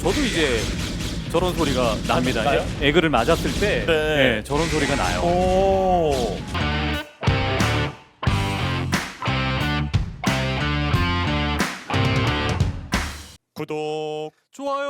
저도 이제 저런 소리가 납니다. 에그를 맞았을 때 네. 저런 소리가 나요. 오. 구독, 좋아요.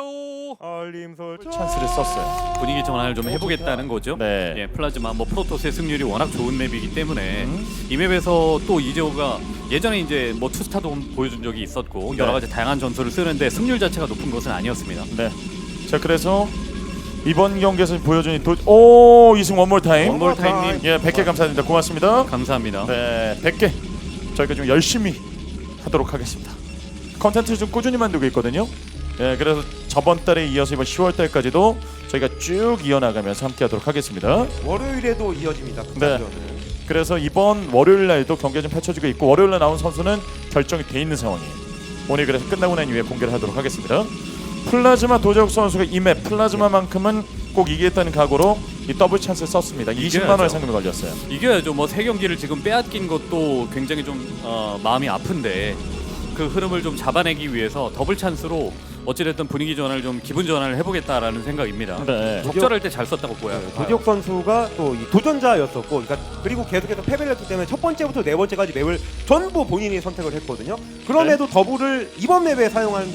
알림 설정 찬스를 썼어요. 분위기 전환을 좀 해보겠다는 거죠. 네. 예, 플라즈마 뭐 프로토스의 승률이 워낙 좋은 맵이기 때문에 이 맵에서 또 이재호가 예전에 이제 뭐 투스타도 보여준 적이 있었고 네. 여러 가지 다양한 전술을 쓰는데 승률 자체가 높은 것은 아니었습니다. 네. 자, 그래서 이번 경기에서 보여준 오, 이승 원몰 타임. 원몰 타임님. 예, 100개 감사드립니다. 고맙습니다. 감사합니다. 네, 100개 저희가 좀 열심히 하도록 하겠습니다. 컨텐츠 좀 꾸준히 만들고 있거든요. 예, 그래서 저번 달에 이어서 이번 10월 달까지도 저희가 쭉 이어나가면서 함께하도록 하겠습니다. 월요일에도 이어집니다. 네. 그래서 이번 월요일 날도 경기가 좀 펼쳐지고 있고 월요일 날 나온 선수는 결정이 돼 있는 상황이에요. 오늘 그래서 끝나고 난 이후에 공개를 하도록 하겠습니다. 플라즈마 도재욱 선수가 이 맵 플라즈마만큼은 꼭 이기겠다는 각오로 이 더블 찬스를 썼습니다. 20만 원의 상금이 걸렸어요. 이겨야죠. 뭐 세 경기를 지금 빼앗긴 것도 굉장히 좀 마음이 아픈데 그 흐름을 좀 잡아내기 위해서 더블 찬스로 어찌됐든 분위기 전환을 좀 기분 전환을 해보겠다라는 생각입니다. 네. 적절할 때 잘 썼다고 보여요. 도지혁 선수가 또 이 도전자였었고, 그러니까 그리고 계속해서 패배를 했기 때문에 첫 번째부터 네 번째까지 맵을 전부 본인이 선택을 했거든요. 그럼에도 더블을 이번 맵에 사용하는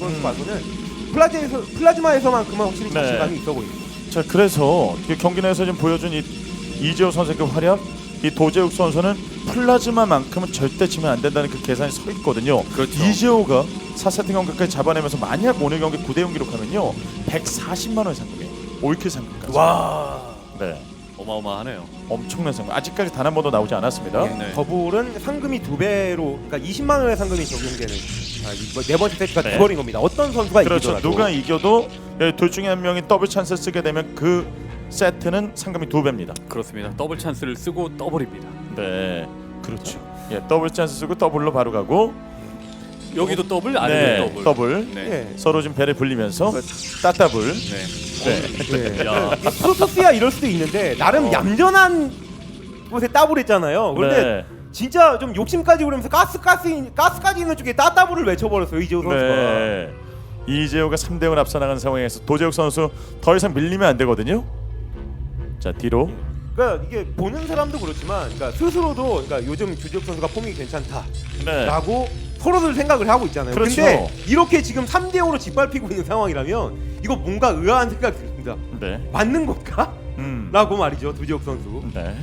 것봐서는 플라즈마에서만큼은 확실히 네. 자신감이 있어 보입니다. 자, 그래서 경기 내에서 지금 보여준 이 이재호 선수의 그 활약, 이 도재욱 선수는 플라즈마만큼은 절대 치면 안 된다는 그 계산이 서 있거든요. 그렇죠. 이재호가 4세트 경기까지 잡아내면서 만약 오늘 경기 9대0 기록하면요 140만 원 상금이에요. 올킬 상금까지. 와, 네, 어마어마하네요. 엄청난 상금. 아직까지 단 한 번도 나오지 않았습니다. 네. 더블은 상금이 2배로, 그러니까 20만 원의 상금이 적용되는 네 번째 세트가 네. 돼버린 겁니다. 어떤 선수가 그렇죠. 이기더라도. 누가 이겨도 둘 중에 한 명이 더블 찬스를 쓰게 되면 그 세트는 상금이 2배입니다. 그렇습니다. 더블 찬스를 쓰고 더블입니다. 네, 그렇죠. 예, 더블 찬스 쓰고 더블로 바로 가고. 여기도 더블, 아래도 네, 더블. 더블. 네. 예. 서로 좀 배를 불리면서 따따블. 네. 네. 야, 프로토스야 이럴 수도 있는데 나름 얌전한 곳에 따블했잖아요. 그런데 네. 진짜 좀 욕심까지 부리면서 가스까지 있는 쪽에 따따블을 외쳐버렸어요, 이재호 선수가. 네. 이재호가 3대0 앞서 나가는 상황에서 도재욱 선수 더 이상 밀리면 안 되거든요. 자, 뒤로. 그러니까 이게 보는 사람도 그렇지만, 그러니까 스스로도, 그러니까 요즘 주재욱 선수가 폼이 괜찮다라고 네. 서로들 생각을 하고 있잖아요. 그렇죠. 근데 이렇게 지금 3대5로 짓밟히고 있는 상황이라면 이거 뭔가 의아한 생각이 듭니다. 네. 맞는 건가? 라고 말이죠, 주재욱 선수. 네.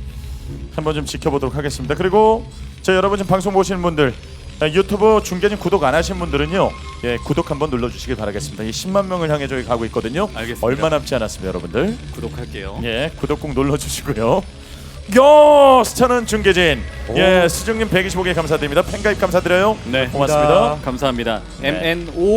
한번 좀 지켜보도록 하겠습니다. 그리고 저 여러분 지금 방송 보시는 분들, 유튜브 중계진 구독 안 하신 분들은요, 예, 구독 한번 눌러주시길 바라겠습니다. 이 10만 명을 향해 저희 가고 있거든요. 알겠습니다. 얼마 남지 않았습니다, 여러분들. 구독할게요. 예, 구독 꼭 눌러주시고요. 요 스타는 중계진. 예, 수정님 125개 감사드립니다. 팬가입 감사드려요. 네, 고맙습니다. 감사합니다. 네.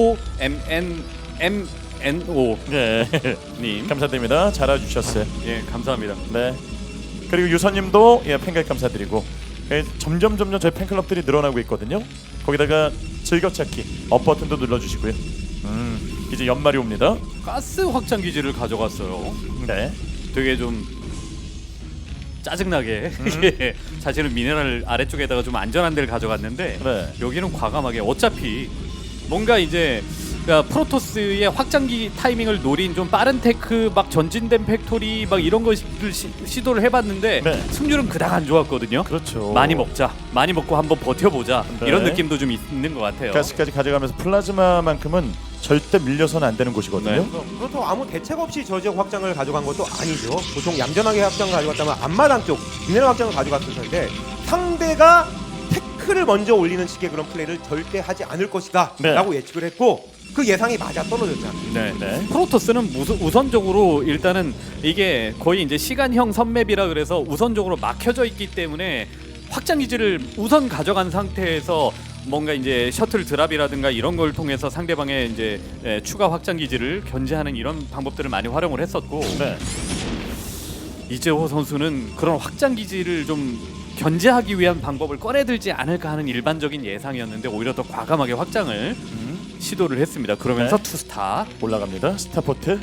MNO 예, 님. 감사드립니다. 잘 와주셨어요. 예, 감사합니다. 네. 그리고 유선님도 예, 팬가입 감사드리고, 예, 점점 저희 팬클럽들이 늘어나고 있거든요. 거기다가 즐겨찾기 업 버튼도 눌러주시고요. 이제 연말이 옵니다. 가스 확장 기지를 가져갔어요. 네. 되게 좀 짜증나게 예, 사실은 미네랄 아래쪽에다가 좀 안전한 데를 가져갔는데 네. 여기는 과감하게 어차피 뭔가 이제 그러니까 프로토스의 확장기 타이밍을 노린 좀 빠른 테크 막 전진된 팩토리 막 이런 것을 시도를 해봤는데 네. 승률은 그닥 안 좋았거든요. 그렇죠. 많이 먹자, 많이 먹고 한번 버텨보자 네. 이런 느낌도 좀 있는 것 같아요. 가스까지 가져가면서 플라즈마만큼은 절대 밀려서는 안 되는 곳이거든요. 네. 그렇다고 아무 대책 없이 저 지역 확장을 가져간 것도 아니죠. 보통 얌전하게 확장을 가져갔다면 앞마당 쪽 미네랄 확장을 가져갔을 텐데 상대가 태클을 먼저 올리는 식의 그런 플레이를 절대 하지 않을 것이다 네. 라고 예측을 했고 그 예상이 맞아 떨어졌잖아요. 네. 네. 프로토스는 우선적으로 일단은 이게 거의 이제 시간형 선맵이라 그래서 우선적으로 막혀져 있기 때문에 확장 기지를 우선 가져간 상태에서 뭔가 이제 셔틀 드랍이라든가 이런 걸 통해서 상대방의 이제 추가 확장 기지를 견제하는 이런 방법들을 많이 활용을 했었고 네. 이재호 선수는 그런 확장 기지를 좀 견제하기 위한 방법을 꺼내들지 않을까 하는 일반적인 예상이었는데 오히려 더 과감하게 확장을 시도를 했습니다. 그러면서 네. 투스타 올라갑니다. 스타포트.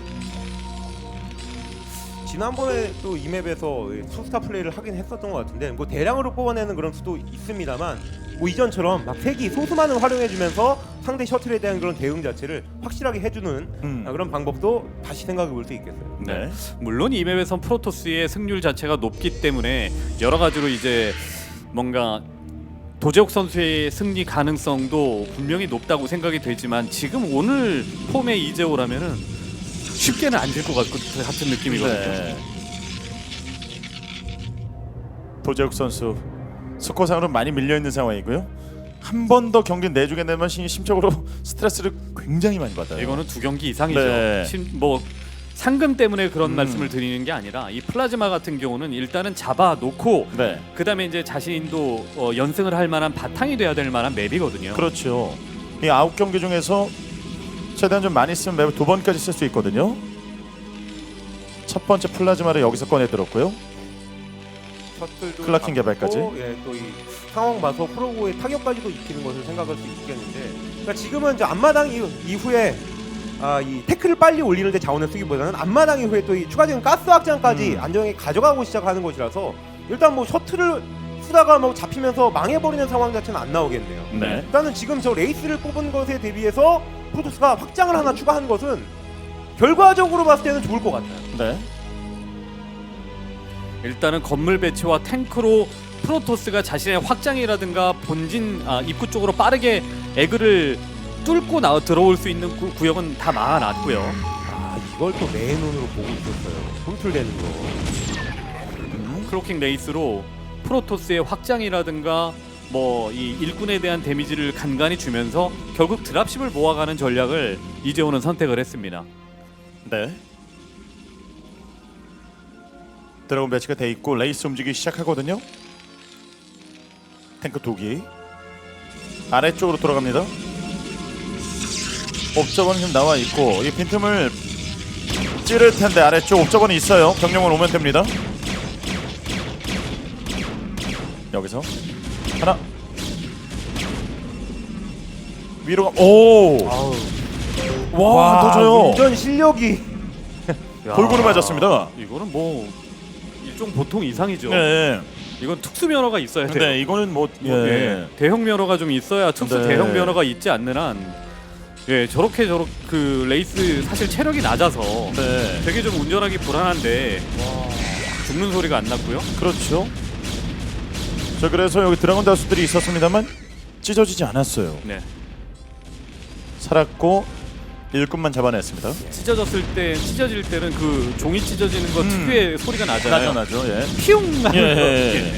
지난번에 또 이 맵에서 투스타 플레이를 하긴 했었던 것 같은데 뭐 대량으로 뽑아내는 그런 수도 있습니다만 뭐 이전처럼 막 색이 소수만을 활용해주면서 상대 셔틀에 대한 그런 대응 자체를 확실하게 해주는 그런 방법도 다시 생각해 볼 수 있겠어요. 네. 물론 이 맵에선 프로토스의 승률 자체가 높기 때문에 여러 가지로 이제 뭔가 도재욱 선수의 승리 가능성도 분명히 높다고 생각이 되지만 지금 오늘 폼의 이재호라면은 쉽게는 안 질 것 같은 느낌이거든요. 네. 도재욱 선수 스코어상으로 많이 밀려 있는 상황이고요. 한 번 더 경기 내주게 되면 심적으로 스트레스를 굉장히 많이 받아요. 이거는 2경기 이상이죠. 네. 뭐 상금 때문에 그런 말씀을 드리는 게 아니라 이 플라즈마 같은 경우는 일단은 잡아놓고 네. 그다음에 이제 자신도 연승을 할 만한 바탕이 돼야 될 만한 맵이거든요. 그렇죠. 이 9경기 중에서 최대한 좀 많이 쓰면 맵을 2번까지 쓸 수 있거든요. 첫 번째 플라즈마를 여기서 꺼내 들었고요. 셔틀도 클라킹 개발까지. 예, 또 이 상황 봐서 프로고의 타격까지도 익히는 것을 생각할 수 있겠는데, 그러니까 지금은 이제 앞마당 이후에 이 태클을 빨리 올리는데 자원을 쓰기보다는 앞마당 이후에 또 이 추가적인 가스 확장까지 안정하게 가져가고 시작하는 것이라서 일단 뭐 셔틀을 쓰다가 뭐 잡히면서 망해버리는 상황 자체는 안 나오겠네요. 네. 일단은 지금 저 레이스를 뽑은 것에 대비해서 프로토스가 확장을 하나 추가한 것은 결과적으로 봤을 때는 좋을 것 같아요. 네. 일단은 건물 배치와 탱크로 프로토스가 자신의 확장이라든가 본진 입구 쪽으로 빠르게 에그를 뚫고 들어올 수 있는 구역은 다 막아놨고요. 이걸 또 내 눈으로 보고 있었어요. 홈틀되는 거. 크로킹 레이스로 프로토스의 확장이라든가 뭐 이 일꾼에 대한 데미지를 간간히 주면서 결국 드랍십을 모아가는 전략을 이재호는 선택을 했습니다. 네. 드래곤 배치가 돼 있고 레이스 움직이기 시작하거든요. 탱크 2기 아래쪽으로 돌아갑니다. 옵저버는 지금 나와 있고 이 빈틈을 찌를 텐데 아래쪽 옵저버는 있어요. 경력만 오면 됩니다. 여기서 하나 위로 오! 와, 도저요. 운전 실력이 골고루 맞았습니다. 이거는 뭐 일종 보통 이상이죠. 네. 이건 특수 면허가 있어야 돼요. 네, 이거는 뭐 예. 대형 면허가 좀 있어야 특수 네. 대형 면허가 있지 않는 한 저렇게 그 레이스 사실 체력이 낮아서 네. 되게 좀 운전하기 불안한데 죽는 소리가 안 났고요. 그렇죠. 자, 그래서 여기 드래곤 다수들이 있었습니다만 찢어지지 않았어요. 네. 살았고 일꾼만 잡아냈습니다. 찢어질 때는 그 종이 찢어지는 거 특유의 소리가 나잖아요. 나죠. 예. 피웅 하는 예.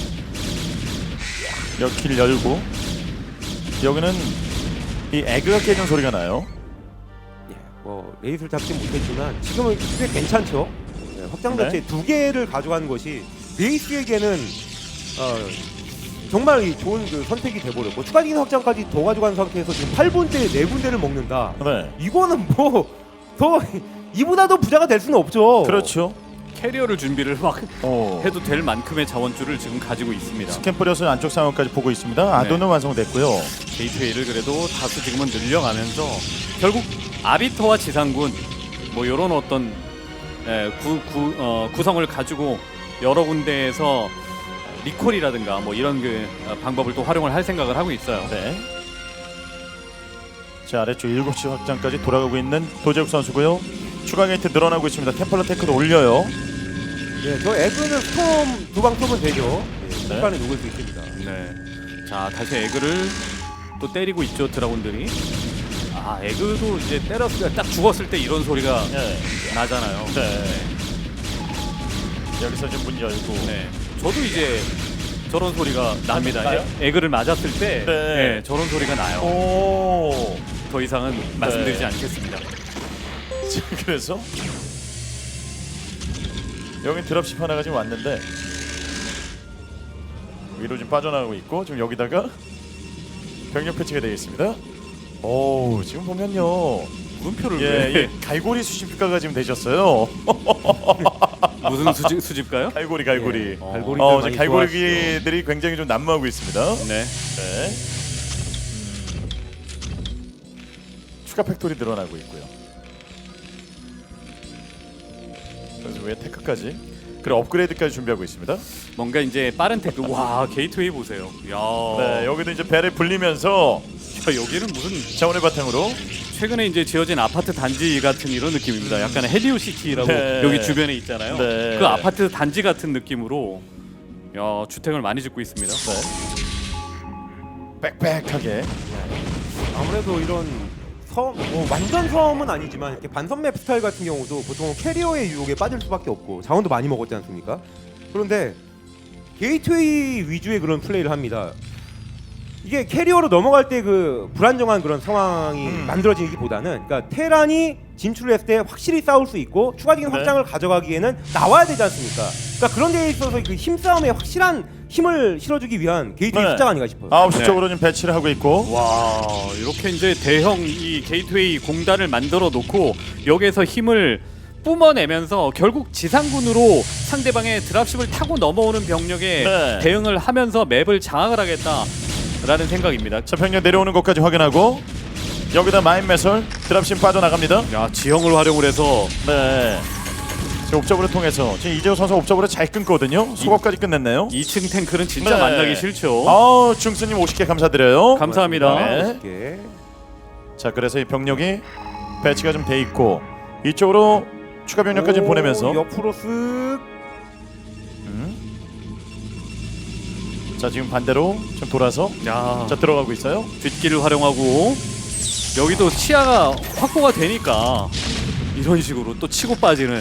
여기를 열고 여기는 이 에그가 깨진 소리가 나요. 뭐 레이스를 잡지 못했지만 지금은 꽤 괜찮죠. 확장 자체 네. 2개를 가져가는 것이 레이스에게는 정말 좋은 그 선택이 돼버렸고 추가적인 확장까지 더 가져간 상태에서 지금 8분대에 4군데를 먹는다. 네. 이거는 뭐 더 이보다 더 부자가 될 수는 없죠. 그렇죠. 캐리어를 준비를 막 오. 해도 될 만큼의 자원줄을 지금 가지고 있습니다. 스캔 뿌려서 안쪽 상황까지 보고 있습니다. 아도는 완성됐고요. 게이트웨이를 그래도 다수 지금은 늘려가면서 결국 아비터와 지상군 뭐 이런 어떤 구성을 가지고 여러 군데에서 리콜이라든가 뭐 이런 방법을 또 활용을 할 생각을 하고 있어요. 네. 자, 아래쪽 7시 확장까지 돌아가고 있는 도재욱 선수고요. 추가 게이트 늘어나고 있습니다. 템플러 테크도 올려요. 네, 저 에그는 스톰 두방 쏘면 되죠. 네. 순간에 녹을 수 있습니다. 네. 자, 다시 에그를 또 때리고 있죠, 드라군들이. 에그도 이제 때렸을 때 딱 죽었을 때 이런 소리가 네. 나잖아요. 네. 여기서 좀 문 열고. 네. 저도 이제 저런 소리가 납니다. 나요? 에그를 맞았을 때 네. 저런 소리가 나요. 오. 더 이상은 말씀드리지 않겠습니다. 자, 그래서 여기 드랍십 하나가 지금 왔는데 위로 지금 빠져나가고 있고 지금 여기다가 병력 패치가 되어 있습니다. 오, 지금 보면요. 물음표를 예, 갈고리 수집가가 지금 되셨어요. 무슨 수집가요? 갈고리. 갈고리들 많이 갈고리들이 굉장히 좀 난무하고 있습니다. 네. 네. 추가 팩토리 늘어나고 있고요. 그래서 왜 테크까지? 그리고 업그레이드까지 준비하고 있습니다. 뭔가 이제 빠른 태그. 와 게이트웨이 보세요. 야. 네, 여기도 이제 배를 불리면서 야, 여기는 무슨 자원의 바탕으로 최근에 이제 지어진 아파트 단지 같은 이런 느낌입니다. 약간 헤리오시티라고 네. 여기 주변에 있잖아요. 네. 그 아파트 단지 같은 느낌으로 야 주택을 많이 짓고 있습니다. 빽빽하게. 아무래도 이런 완전 섬은 아니지만 이렇게 반섬맵 스타일 같은 경우도 보통 캐리어의 유혹에 빠질 수밖에 없고 자원도 많이 먹었지 않습니까? 그런데 게이트웨이 위주의 그런 플레이를 합니다. 이게 캐리어로 넘어갈 때 그 불안정한 그런 상황이 만들어지기보다는 그러니까 테란이 진출을 했을 때 확실히 싸울 수 있고 추가적인 네. 확장을 가져가기에는 나와야 되지 않습니까? 그러니까 그런 데에 있어서 그 힘싸움에 확실한 힘을 실어주기 위한 게이트웨이 네. 숫자가 아닌가 싶어요. 9시 네. 쪽으로 지금 배치를 하고 있고. 와 이렇게 이제 대형 이 게이트웨이 공단을 만들어 놓고 여기에서 힘을 뿜어내면서 결국 지상군으로 상대방의 드랍십을 타고 넘어오는 병력에 네. 대응을 하면서 맵을 장악을 하겠다라는 생각입니다. 자, 병력 내려오는 것까지 확인하고 여기다 마인 매설 드랍심 빠져나갑니다. 야 지형을 활용을 해서 네. 지금 옵저브를 통해서 지금 이재호 선수 옵저브를 잘 끊거든요. 속업까지 끝냈네요. 2층 탱크는 진짜 네. 만나기 싫죠. 아우 중수님 50개 감사드려요. 감사합니다. 네. 멋있게. 자, 그래서 이 병력이 배치가 좀 돼 있고 이쪽으로 추가 병력까지 보내면서 옆으로 쓱. 자, 지금 반대로 좀 돌아서 야 자 들어가고 있어요. 뒷길을 활용하고 여기도 시야가 확보가 되니까 이런 식으로 또 치고 빠지는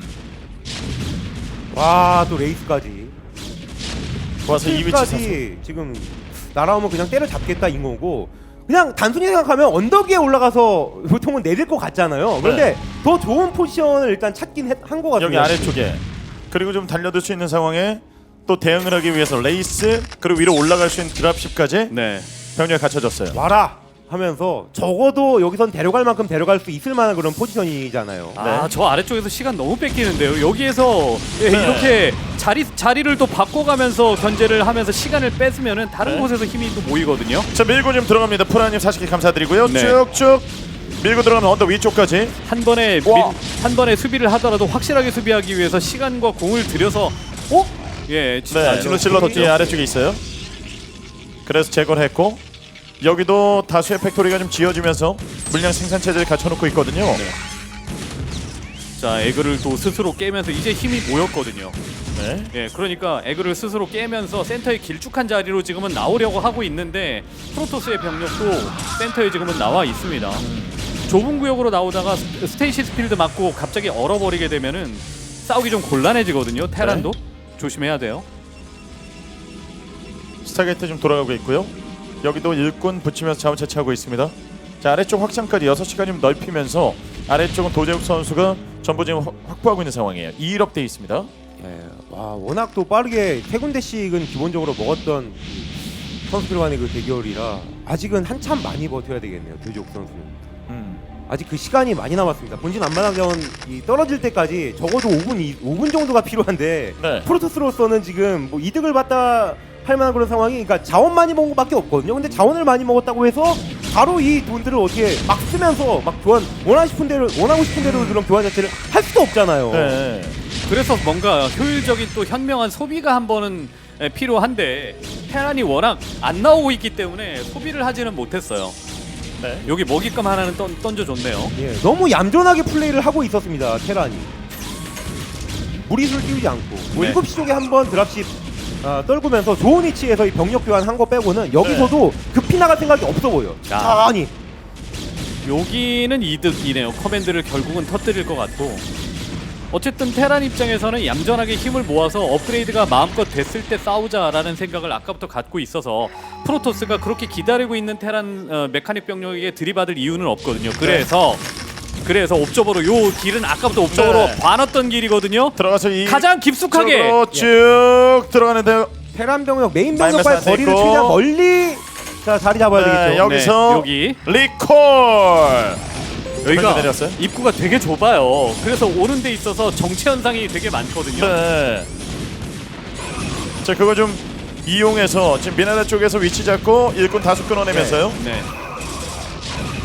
와, 또 레이스까지. 와서 이 위치 사서. 까지 지금 날아오면 그냥 때려잡겠다 인 거고 그냥 단순히 생각하면 언덕 위에 올라가서 보통은 내릴 것 같잖아요. 그런데 더 좋은 포지션을 일단 찾긴 한 것 같아요. 여기 아래쪽에 그리고 좀 달려들 수 있는 상황에 또 대응을 하기 위해서 레이스 그리고 위로 올라갈 수 있는 드랍십까지 네. 병력이 갖춰졌어요. 와라 하면서 적어도 여기선 데려갈 만큼 데려갈 수 있을 만한 그런 포지션이잖아요. 아, 저 아래쪽에서 시간 너무 뺏기는데요. 여기에서 이렇게 자리를 또 바꿔가면서 견제를 하면서 시간을 뺏으면은 다른 네. 곳에서 힘이 또 모이거든요. 자, 밀고 좀 들어갑니다. 프라님 40개 감사드리고요. 네. 쭉쭉 밀고 들어가면 언덕 위쪽까지. 한 번에 수비를 하더라도 확실하게 수비하기 위해서 시간과 공을 들여서 예, 네, 질러 뒤에 아래쪽에 있어요. 그래서 제거를 했고 여기도 다수의 팩토리가 좀 지어지면서 물량 생산 체제를 갖춰놓고 있거든요. 자, 에그를 또 스스로 깨면서 이제 힘이 모였거든요. 네. 예, 그러니까 에그를 스스로 깨면서 센터의 길쭉한 자리로 지금은 나오려고 하고 있는데 프로토스의 병력도 센터에 지금은 나와 있습니다. 좁은 구역으로 나오다가 스테이시스 필드 맞고 갑자기 얼어버리게 되면은 싸우기 좀 곤란해지거든요. 테란도 조심해야 돼요. 스타게이트 좀 돌아가고 있고요. 여기도 일꾼 붙이면서 자원 채취하고 있습니다. 자, 아래쪽 확장까지 6시간 좀 넓히면서 아래쪽은 도재욱 선수가 전부 지금 확보하고 있는 상황이에요. 2일업 돼 있습니다. 예, 와 워낙 또 빠르게 세 군데씩은 기본적으로 먹었던 선수들 간의 그 대결이라 아직은 한참 많이 버텨야 되겠네요. 도지옥 선수는. 아직 그 시간이 많이 남았습니다. 본진 안마당전 떨어질 때까지 적어도 5분 정도가 필요한데 네. 프로토스로서는 지금 뭐 이득을 봤다 할 만한 그런 상황이 그러니까 자원 많이 먹은 것밖에 없거든요. 근데 자원을 많이 먹었다고 해서 바로 이 돈들을 어떻게 막 쓰면서 막 원하고 싶은 대로 그런 교환 자체를 할 수도 없잖아요. 네. 그래서 뭔가 효율적인 또 현명한 소비가 한 번은 필요한데 테란이 워낙 안 나오고 있기 때문에 소비를 하지는 못했어요. 네. 여기 먹잇감 하나는 던져줬네요. 예, 너무 얌전하게 플레이를 하고 있었습니다. 테란이 무리수를 띄우지 않고 뭐 네. 7시 쪽에 한번 드랍십 떨구면서 좋은 위치에서 이 병력 교환 한 거 빼고는 여기서도 급히 나갈 생각이 없어 보여. 천천히. 여기는 이득이네요. 커맨드를 결국은 터뜨릴 것 같고 어쨌든 테란 입장에서는 얌전하게 힘을 모아서 업그레이드가 마음껏 됐을 때 싸우자라는 생각을 아까부터 갖고 있어서 프로토스가 그렇게 기다리고 있는 테란 메카닉 병력에게 들이받을 이유는 없거든요. 그래서 옵저버로 요 길은 아까부터 옵저버로 네. 봐놨던 길이거든요. 들어가서 이 가장 깊숙하게 쭉 들어가는데요. 테란 병력 메인 마이너스 병력과의 안 돼 거리를 있고. 최대한 멀리 자리 잡아야 네, 되겠죠. 여기서 여기 리콜. 여기가 내렸어요? 입구가 되게 좁아요. 그래서 오는 데 있어서 정체 현상이 되게 많거든요. 네. 자, 그거 좀 이용해서 지금 미나라 쪽에서 위치 잡고 일꾼 다수 끊어내면서요. 네.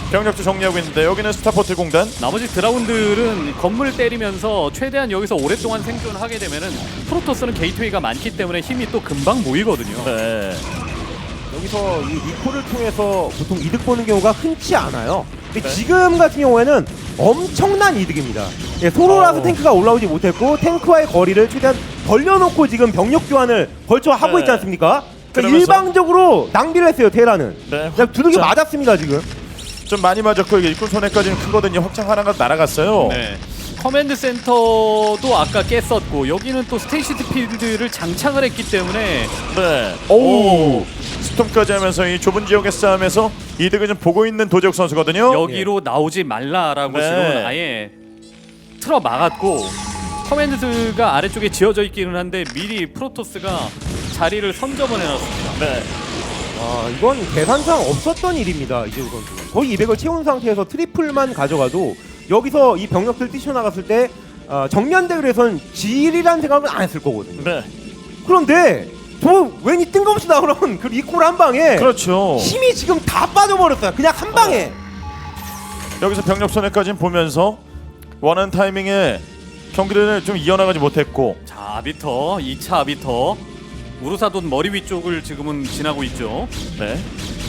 병력도 정리하고 있는데 여기는 스타포트 공단. 나머지 드라군들은 건물 때리면서 최대한 여기서 오랫동안 생존하게 되면은 프로토스는 게이트웨이가 많기 때문에 힘이 또 금방 모이거든요. 네. 여기서 이 리콜을 통해서 보통 이득 보는 경우가 흔치 않아요. 근데 네. 지금 같은 경우에는 엄청난 이득입니다. 예, 소로라서 탱크가 올라오지 못했고 탱크와의 거리를 최대한 벌려놓고 지금 병력 교환을 벌써 하고 네. 있지 않습니까? 그러니까 그러면서- 일방적으로 낭비를 했어요 테라는. 네. 그냥 두둑이 확장. 맞았습니다 지금. 좀 많이 맞았고 이게 일꾼 손해까지는 크거든요. 확장 하나가 날아갔어요. 네. 커맨드 센터도 아까 깼었고 여기는 또 스테이시드 필드를 장착을 했기 때문에 네. 오. 스톰까지 하면서 이 좁은 지역의 싸움에서 이득을 좀 보고 있는 도재욱 선수거든요. 여기로 나오지 말라라고 네. 지금은 아예 틀어 막았고 커맨드가 아래쪽에 지어져 있기는 한데 미리 프로토스가 자리를 선점을 해놨습니다. 네. 아 이건 계산상 없었던 일입니다 이재우 선수. 거의 200을 채운 상태에서 트리플만 가져가도 여기서 이 병력들 뛰쳐나갔을 때 정면 대결에선 질이란 생각은 안 했을 거거든요. 네. 그런데 저 왠지 뜬금없이 나오는 그 리콜 한 방에 그렇죠. 힘이 지금 다 빠져버렸어요. 그냥 한 방에. 여기서 병력 손해까지는 보면서 원하는 타이밍에 경기를 좀 이어나가지 못했고. 자, 아비터 2차 아비터 우르사돈 머리 위쪽을 지금은 지나고 있죠. 네.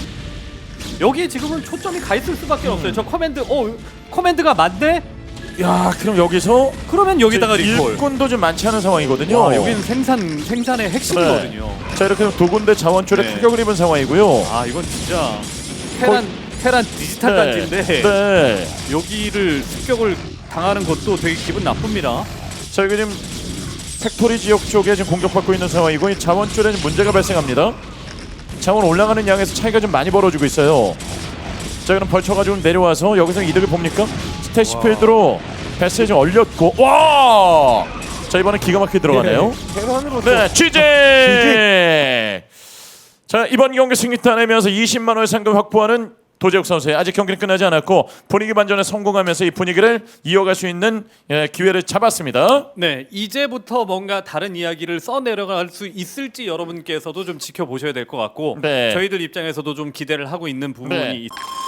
여기에 지금은 초점이 가 있을 수밖에 없어요. 저 커맨드가 맞네? 야, 그럼 여기서 그러면 여기다가 리콜. 일꾼도 좀 많지 않은 상황이거든요. 와, 여기는 생산의 핵심이거든요. 자, 이렇게 두 군데 자원줄에 네. 타격을 입은 상황이고요. 아, 이건 진짜 테란 디지털 단지인데 네. 여기를 습격을 당하는 것도 되게 기분 나쁩니다. 자, 여기 지금 팩토리 지역 쪽에 지금 공격받고 있는 상황이고 이 자원줄에 좀 문제가 발생합니다. 자원 올라가는 양에서 차이가 좀 많이 벌어지고 있어요. 자, 그럼 벌쳐가지고 내려와서 여기서 이득을 봅니까? 스테이시필드로 배스에 좀 얼렸고 와! 자, 이번엔 기가 막히게 들어가네요. 계산으로 네, 취재! 자, 이번 경기 승리 따내면서 20만 원의 상금 확보하는 도재욱 선수의 아직 경기는 끝나지 않았고 분위기 반전에 성공하면서 이 분위기를 이어갈 수 있는 기회를 잡았습니다. 네, 이제부터 뭔가 다른 이야기를 써내려갈 수 있을지 여러분께서도 좀 지켜보셔야 될 것 같고 네. 저희들 입장에서도 좀 기대를 하고 있는 부분이 네. 있습니다.